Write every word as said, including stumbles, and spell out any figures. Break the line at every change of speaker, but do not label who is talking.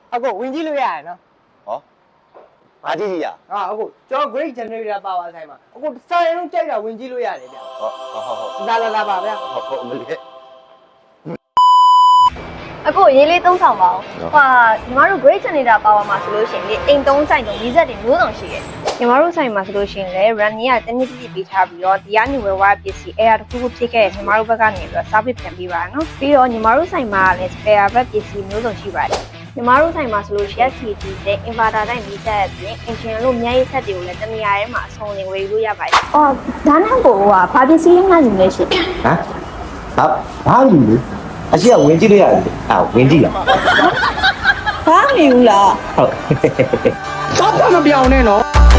အခုဝင်ကြည့်လို့ရတယ်နော်
ဟောဘာကြည့်ကြည့်ရ
ဟာအခုကျွန်တော် great generator power ဆိုင်မှာအခုစာရင်လုံးကြိုက်တာဝင်ကြည့်လို့ရတယ်ဗျ
ဟောဟောဟောဟော
လာလာလာပါဗျ
ဟောဟောမလေး
အခုရေးလေးသုံးဆောင်ပါအောင်ဟာညီမတို့ great generator power မှာဆိုလို့ရှိရင်လေအိမ်သုံးဆိုင်တုံး၄ဆက်တင်မျိုးစုံရှိတယ်ညီမတို့ဆိုင်မှာဆိုလို့ရှိရင်လေ run ကြီးကတနည်းတည်းပေးထားပြီးတော့ဒီကနေဝယ်ဝါပစ္စည်း air တစ်ခုခုဖြစ်ခဲ့ညီမတို့ဘက်ကနေပြီးတော့ service ပြန်ပေးပါနော်ပြီးတော့ညီမတို့ဆိုင်မှာလည်း spare ဘက်ပစ္စည်းမျိုးစုံရှိပါတယ်ညီမတို့ဆိုင်မှာဆိုလို့ရှိရင် C D နဲ့ inverter တိုင်းမိသက်အပြင် engine လို့အများကြီးဆက်တွေကိုလည်းတနေရာထဲမှာအဆုံးလင်ဝယ်လို့ရပါတယ်အော်ဒါနဲ့ကိုကဘာပစ္စည်းရင်းနိုင်လဲရှင်
ဟမ်ဟာဘာလို့လဲအရှိကဝင်ကြည့်လို့ရတယ်အာဝင်ကြည့်လား
ဘာမယူလား
ဟုတ်
တော့မပြောင်းနဲ့နော်